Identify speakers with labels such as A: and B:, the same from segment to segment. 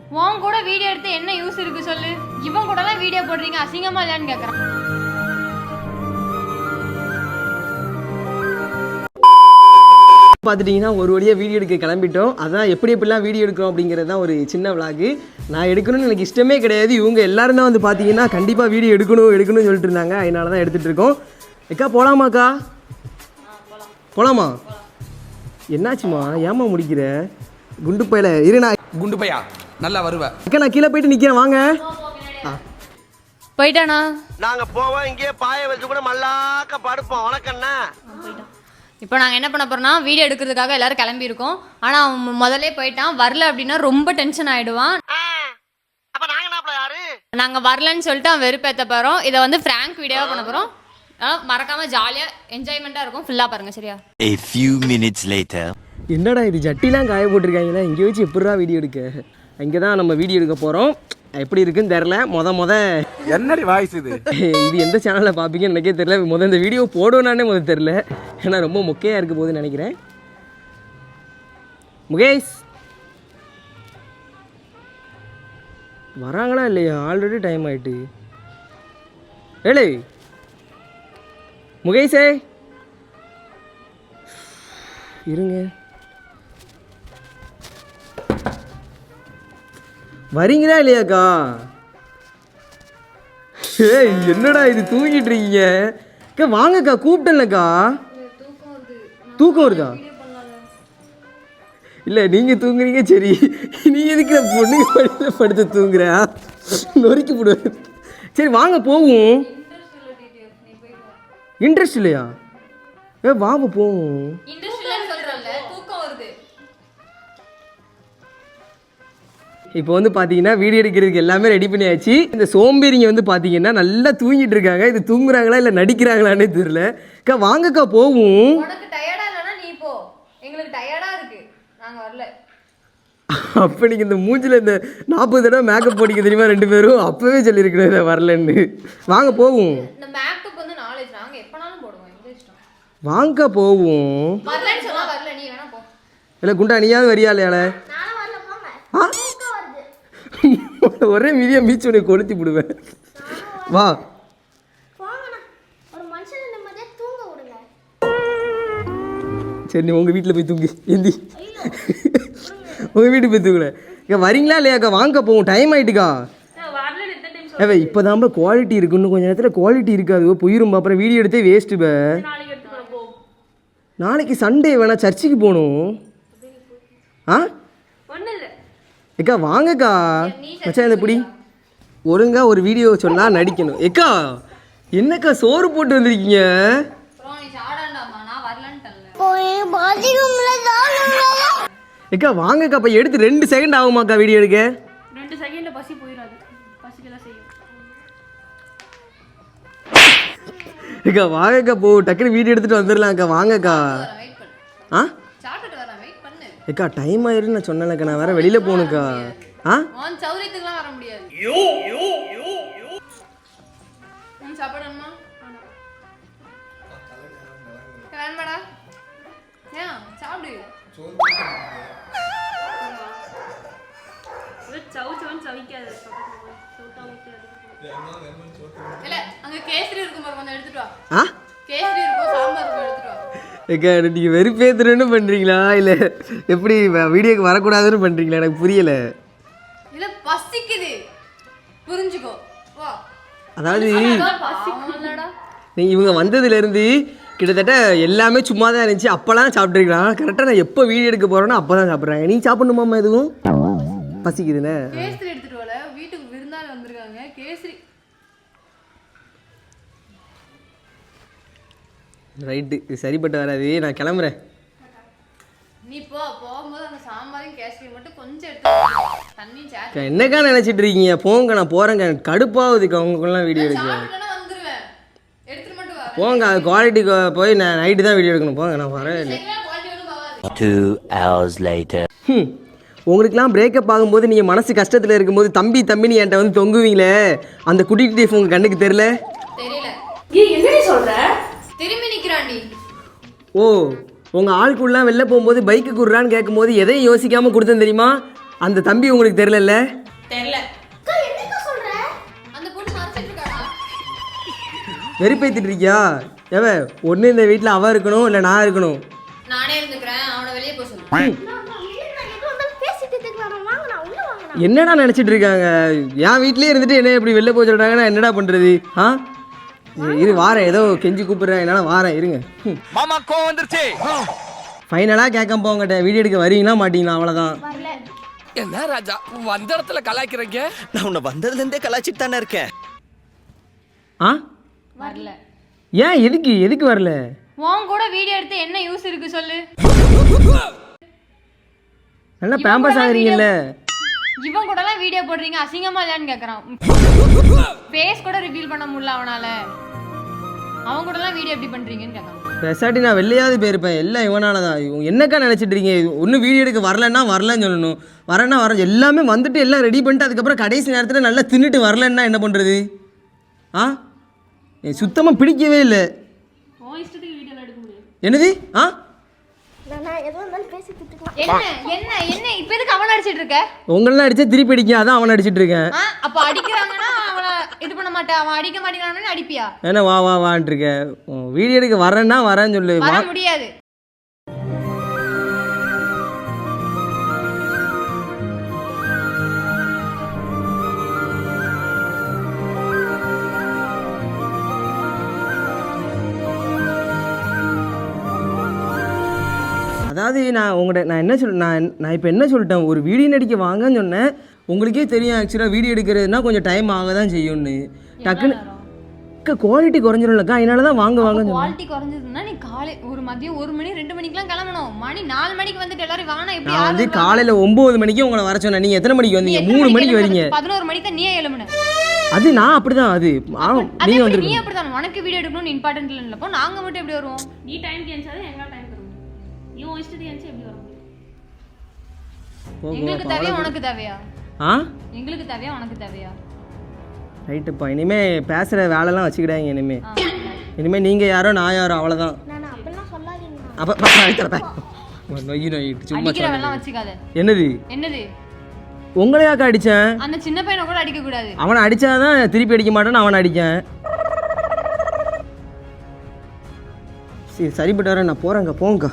A: உன் கூட வீடியோ எடுத்து என்ன யூஸ் இருக்கு சொல்லு? இவன் கூடலாம் வீடியோ போடுறீங்க, அசிங்கமா இல்லையான்னு கேட்குறான்.
B: பார்த்துட்டிங்கன்னா ஒரு வழியாக வீடியோ எடுக்க கிளம்பிட்டோம். அதான் எப்படி எப்படிலாம் வீடியோ எடுக்கிறோம் அப்படிங்கிறது தான் ஒரு சின்ன விளாகு. நான் எடுக்கணும்னு எனக்கு இஷ்டமே கிடையாது. இவங்க எல்லாரும் தான் வந்து பார்த்தீங்கன்னா கண்டிப்பாக வீடியோ எடுக்கணும்னு சொல்லிட்டு இருந்தாங்க. அதனால தான் எடுத்துகிட்டு இருக்கோம். அக்கா போகலாமாக்கா? போகலாமா? என்னாச்சுமா? ஏமா முடிக்கிற? குண்டு பையில இருண்ணா.
C: குண்டு பையா நல்லா வருவேன்.
B: அக்கா நான் கீழே போயிட்டு நிற்கிறேன், வாங்க.
A: போயிட்டானா?
D: நாங்க போவோம், இங்கே பாய வச்சு கூட மல்லாக்க படுப்போம். வணக்கண்ணா.
A: இப்போ நாங்கள் என்ன பண்ண போறோம்னா வீடியோ எடுக்கிறதுக்காக எல்லாரும் கிளம்பியிருக்கோம். ஆனால் அவன் முதல்ல போயிட்டான். வரல அப்படின்னா ரொம்ப டென்ஷன் ஆகிடுவான்.
D: அப்ப நாங்க என்ன யாரு?
A: நாங்கள் வரலன்னு சொல்லிட்டு அவன் வெறுப்பேற்ற போகிறோம். இதை வந்து ஃப்ராங்க் வீடியோவாக பண்ண போகிறோம். மறக்காமல் ஜாலியாக என்ஜாய்மெண்ட்டாக இருக்கும். ஃபுல்லாக பாருங்கள், சரியா?
E: A few minutes later.
B: என்னடா இது ஜட்டிலாம் காய போட்டிருக்காங்களா? இங்கே வச்சு எப்படிடா வீடியோ எடுக்க? இங்கே தான் நம்ம வீடியோ எடுக்க போகிறோம். எப்படி இருக்குன்னு தெரில.
C: என்னடி வாய்ஸ் இது?
B: இது எந்த சேனலில் பார்ப்பீங்கன்னு எனக்கே தெரில. இந்த வீடியோ போடுவேனானே தெரில. ஏன்னா ரொம்ப மொக்கையாக இருக்க போகுதுன்னு நினைக்கிறேன். முகேஷ் வராங்களா இல்லையா? ஆல்ரெடி டைம் ஆகிட்டு. ஏழு முகேஷே இருங்க, வரீங்களா இல்லையாக்கா? ஏய் என்னடா இது தூங்கிட்டு இருக்கீங்க? அக்கா வாங்கக்கா, கூப்பிட்டேன்லக்கா. தூக்கம் வருதா? இல்லை நீங்கள் தூங்குறீங்க சரி. நீ எதுக்கு பொண்ணுங்க படியில் படுத்து தூங்குற? நொறுக்கி போடுவேன். சரி வாங்க போவோம். இன்ட்ரெஸ்ட் இல்லையா? வாங்க போவோம். இப்போ வந்து பார்த்தீங்கன்னா வீடியோ எடுக்கிறதுக்கு எல்லாமே ரெடி பண்ணியாச்சு. இந்த சோம்பேறிங்க வந்து பார்த்தீங்கன்னா நல்லா தூங்கிட்டு இருக்காங்க. இது தூங்குறாங்களா இல்லை நடிக்கிறாங்களான்னே தெரியல. அக்கா வாங்கக்கா போவோம். அப்போ நீங்கள் இந்த மூஞ்சில் இந்த 40 தடவை மேக்கப் போடிக்க தெரியுமா? 2 பேரும் அப்போவே சொல்லியிருக்கணும் இதை வரலன்னு. வாங்க போவோம். வாங்க போவோம். இல்லை குண்டா நீயாவது வரியா இல்லையால? ஒரே மீதியாக மீச்சு உனக்கு கொளுத்தி விடுவேன். வா. சரி நீ உங்கள் வீட்டில் போய் தூங்கு. எந்தி உங்கள் வீட்டுக்கு போய் தூங்குல. இங்கே வரீங்களா இல்லையாக்கா? வாங்க போவோம். டைம் ஆகிட்டுக்கா. இப்போ தான் குவாலிட்டி இருக்கு. இன்னும் கொஞ்சம் நேரத்தில் குவாலிட்டி இருக்காது, போயிரும். அப்புறம் வீடியோ எடுத்தே வேஸ்ட்டு. நாளைக்கு சண்டே வேணா சர்ச்சுக்கு போகணும். ஏக்கா வாங்கக்கா. மச்சான் இதை பிடி. ஒழுங்கா ஒரு வீடியோ சொன்னால் நடிக்கணும். ஏக்கா என்னக்கா சோறு போட்டு வந்திருக்கீங்க? ஏக்கா வாங்கக்கா. அப்போ எடுத்து 2 செகண்ட் ஆகுமாக்கா வீடியோ எடுக்க?
A: 2 செகண்ட்ல பசி போயிடாது. பசிக்கெல்லாம் செய்யும்.
B: ஏக்கா வாங்கக்கா போ, டக்குனு வீடியோ எடுத்துகிட்டு வந்துடலாம்க்கா. வாங்கக்கா. ஏக்கா டைம் ஆயிரும் நான் சொன்னேன்க்கா. நான் வேற வெளியில் போகணுக்கா.
A: சௌரியத்துக்குலாம் வர முடியாது. சாப்பிடணுமா? வேணாடா. ஏன் சாப்பிடு. இல்ல அங்க கேசரி இருக்கும் பாரு, கொஞ்சம் எடுத்துட்டு வா. கேசரி இருக்கும், சாம்பார் இருக்கும், எடுத்துட்டு வா.
B: ஏக்கா நீங்கள் வெறுப்பேத்துறன்னு பண்ணுறீங்களா இல்லை எப்படி வீடியோக்கு வரக்கூடாதுன்னு பண்ணுறீங்களா? எனக்கு புரியலை.
A: இல்லை பசிக்குது, புரிஞ்சுக்கோ. வா.
B: அதாவது நீங்கள் இவங்க வந்ததுலேருந்து கிட்டத்தட்ட எல்லாமே சும்மா தான் இருந்துச்சு. அப்போலாம் சாப்பிட்ருக்கலாம். கரெக்டாக நான் எப்போ வீடியோ எடுக்க போகிறேன்னா அப்போ தான் சாப்பிட்றாங்க. நீ சாப்பிடணுமாம்மா? எதுவும் பசிக்குதுண்ணே.
A: கேசரி எடுத்துட்டு வரல, வீட்டுக்கு விருந்தாளி வந்திருக்காங்க. கேசரி
B: ரைட்டு, இது சரிப்பட்டு வராது. நான் கிளம்புறேன்.
A: நீ போகும்போது அந்த சாம்பாரையும் கேசரி மட்டும் கொஞ்சம் எடுத்து தண்ணி சேர்த்து.
B: என்னக்கா நினச்சிட்டு இருக்கீங்க? போங்க, நான் போகிறேங்க. கடுப்பாகுதுக்கா உங்களுக்குலாம் வீடியோ எடுக்க.
A: வந்துருவேன், எடுத்துட்டு மட்டும் வா.
B: போங்க, அது குவாலிட்டி போய் நான் நைட்டு தான் வீடியோ எடுக்கணும். போங்க, நான் வரேன்.
E: 2 hours later.
B: உங்களுக்குலாம் பிரேக்கப் ஆகும்போது நீங்கள் மனசு கஷ்டத்தில் இருக்கும்போது தம்பி தம்பின்னு என்கிட்ட வந்து தொங்குவீங்களே, அந்த குட்டி டீஃப் உங்கள் கண்ணுக்கு தெரியல?
A: என்ன சொல்ற? திரும்பி நிக்கிறாண்டி.
B: ஓ உங்கள் ஆளுக்குள்ளலாம் வெளில போகும்போது பைக்கு குடுறான்னு கேட்கும்போது எதையும் யோசிக்காமல் கொடுத்தேன் தெரியுமா? அந்த தம்பி உங்களுக்கு தெரியல?
A: தெரியல. அந்த பொண்ணு மறைச்சிட்டு இருக்காடா.
B: வெறுப்பேத்திட்டு இருக்கியா? ஏவே ஒன்று இந்த வீட்டில் அவ இருக்கணும் இல்லை நான் இருக்கணும்.
A: நானே இருந்துக்கிறேன், அவனை வெளியே போக சொல்லு.
B: என்னடா நினச்சிட்டு இருக்காங்க? என் வீட்லேயே இருந்துட்டு என்ன இப்படி வெளில போக சொல்கிறாங்க, நான் என்னடா பண்ணுறது? ஆ இரு வாரேன், ஏதோ கெஞ்சி கூப்பிட்றேன், என்னால் வாரேன் இருங்க.
C: மாமா கோவம் வந்துருச்சு.
B: ஃபைனலாக கேட்க போங்கட்ட வீடியோ எடுக்க வரீங்களா மாட்டீங்களா? அவ்வளோதான்.
C: என்ன ராஜா வந்த இடத்துல கலாய்க்கிறீங்க?
F: நான் உன்னை வந்ததுலேருந்தே கலாச்சிட்டு தானே இருக்கேன்.
B: ஆ
A: வரல.
B: ஏன் எதுக்கு வரல?
A: உன் கூட வீடியோ எடுத்து என்ன யூஸ் இருக்கு சொல்லு.
B: நல்லா பேம்பஸ் ஆகுறீங்கல்ல.
A: இவன் கூட எல்லாம் வீடியோ போடுறீங்க, அசிங்கமா இல்லையான்னு கேக்குறான். ஃபேஸ் கூட ரிவீல் பண்ண முடியல அவனால. அவன் கூட எல்லாம் வீடியோ எப்படி பண்றீங்கன்னு கேட்கான்.
B: பெசாட்டி நான் வெளியாவது போயிருப்பேன், எல்லாம் இவனால தான். என்னக்கா நினச்சிட்டு இருக்கீங்க? ஒன்றும் வீடியோ எடுக்க வரலன்னா வரலன்னு சொல்லணும், வரேன்னா வரேன். எல்லாமே வந்துட்டு எல்லாம் ரெடி பண்ணிட்டு அதுக்கப்புறம் கடைசி நேரத்தில் நல்லா தின்னுட்டு வரலன்னா என்ன பண்ணுறது? ஆ சுத்தமாக பிடிக்கவே இல்லை. என்னது? ஆ
A: என்ன இப்ப எதுக்கு அவன் அடிச்சிட்டு இருக்க?
B: உங்களெல்லாம் அடிச்சா திருப்பி அடிக்க, அதான் அவனை அடிச்சிட்டு இருக்கேன்.
A: அப்ப அடிக்கிறாங்கன்னா அவனை இது பண்ண மாட்டேன், அவன் அடிக்க மாட்டேங்கிறான்னு அடிப்பியா?
B: ஏன்னா வான்ட்டு இருக்க. வீடியோ எடுக்க வரேன்னா வரேன்னு சொல்லு.
A: வர முடியாது.
B: அதாவது நான் என்ன நான் இப்போ என்ன சொல்லிட்டேன், ஒரு வீடியோ நடிக்க வாங்கன்னு சொன்னேன். உங்களுக்கே தெரியும் ஆக்சுவலாக வீடியோ எடுக்கிறதுனா கொஞ்சம் டைம் ஆக தான் செய்யும்னு. டக்குன்னு குவாலிட்டி குறைஞ்சிரும்லக்கா, அதனால தான் வாங்கன்னு
A: குவாலிட்டி குறைஞ்சதுன்னா நீ ஒரு மதியம் 1 மணி 2 மணிக்கெல்லாம் கிளம்பணும். மணி 4 மணிக்கு வந்துட்டு எல்லாரும் வாங்க. எப்படி
B: நான் வந்து காலையில் 9 மணிக்கு உங்களை வர சொன்னேன். நீங்கள் எத்தனை மணிக்கு வந்தீங்க? 3 மணிக்கு வரீங்க.
A: 11 மணிக்கு தான் நீ எழும்புன.
B: அது நான் அப்படிதான். அது நீங்க வந்து
A: நீ அப்படிதான். உனக்கு வீடியோ எடுக்கணும்னு இம்பார்ட்டன்ட் இல்லைப்போ நாங்க மட்டும் எப்படி வருவோம்? நீ டைம் கேன்சாது எங்களால டைம் தருவோம். நீ இஷ்டத்துக்கு கேன்சல் எப்படி வரும்? எங்களுக்கு தேவையா உனக்கு தேவையா? எங்களுக்கு தேவையா உனக்கு தேவையா?
B: ரைட்டுப்பா. இனிமே பேசுகிற வேலைலாம் வச்சுக்கிடாங்க. இனிமே நீங்கள் யாரோ நான் யாரோ, அவ்வளோதான். அப்போ
A: சும்மா வச்சுக்காத. என்னது
B: உங்களையாக்கா அடித்தேன்?
A: அந்த சின்ன பையனை கூட அடிக்க கூடாது.
B: அவனை அடித்தாதான் திருப்பி அடிக்க மாட்டேன்னு அவனை அடித்தேன். சரிப்பட்டு வரேன், நான் போகிறேங்க. போங்கக்கா.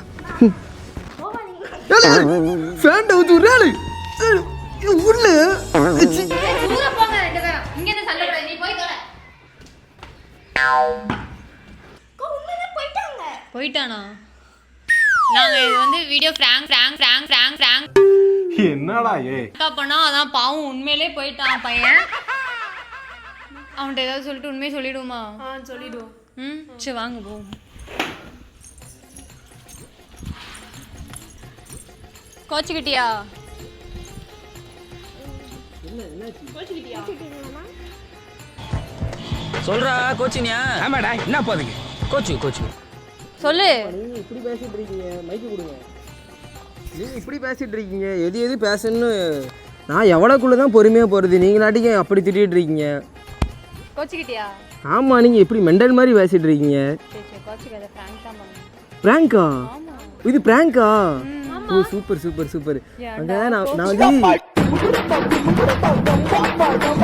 B: ஃபேன் டவுத்து விடுறாரு உள்ள.
A: போயிட்டானா? நாங்க இது வந்து வீடியோ ஃப்ராங்க்
C: என்னடா
A: பண்ணா அதான் பாவம். உண்மையிலே போயிட்டான் பையன். அவன்கிட்ட ஏதாவது சொல்லிட்டு உண்மையை சொல்லிடுவோமா? சொல்லிடுவோம். சரி வாங்க போவோம். கோச்சுக்கிட்டியா?
F: சொல்றா கோச்சினியா?
C: ஆமாடா, என்ன போதுங்க?
F: கோச்சு
A: சொல்லு.
B: நீங்கள் இப்படி பேசிகிட்டு இருக்கீங்க, மைக்கு கொடுங்க. நீங்கள் இப்படி பேசிகிட்டு இருக்கீங்க, எது பேசணுன்னு நான் எவ்வளோக்குள்ளே தான் பொறுமையாக போகிறது. நீங்களாட்டிக்கு அப்படி திட்டிகிட்டு இருக்கீங்க.
A: கோச்சுக்கிட்டியா?
B: ஆமாம், நீங்கள் இப்படி மெண்டல் மாதிரி பேசிகிட்டு இருக்கீங்க. ப்ராங்கா? இது ப்ராங்கா? ஓ சூப்பர். அங்கே நான் வந்து